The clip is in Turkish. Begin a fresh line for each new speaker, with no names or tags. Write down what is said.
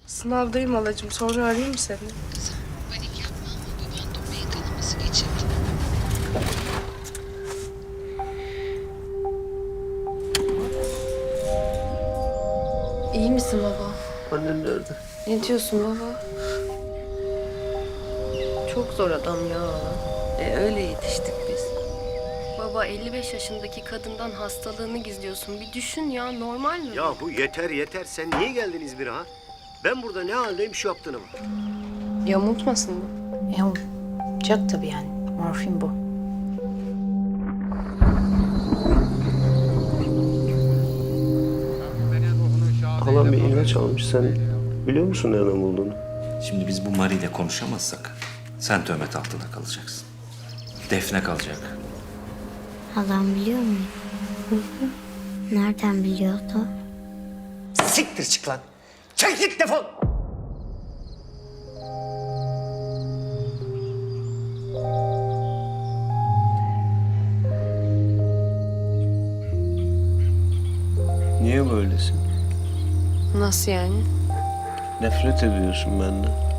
Sınavdayım halacığım. Sonra arayayım mı seni?
Panik yapma ama baban beyin kanaması geçirdi.
İyi misin baba?
Annen nerede?
Ne diyorsun baba? Çok zor adam ya.
Öyle yetiştik biz.
Baba 55 yaşındaki kadından hastalığını gizliyorsun. Bir düşün ya, normal mi?
Ya bu yeter yeter. Sen niye geldin İzmir'e ha? Ben burada ne haldeyim şu yaptığına bak.
Yamultmasın mı?
Yamulacak tabii yani. Morfin bu.
Halam bir ilaç almış. Sen biliyor musun nereden bulduğunu?
Şimdi biz bu Mari ile konuşamazsak sen töhmet altında kalacaksın. Defne kalacak.
Halam biliyor mu? Nereden biliyordu?
Siktir çık lan. Çek git defol. Niye böylesin?
Nasıl yani?
Nefret ediyorsun benden.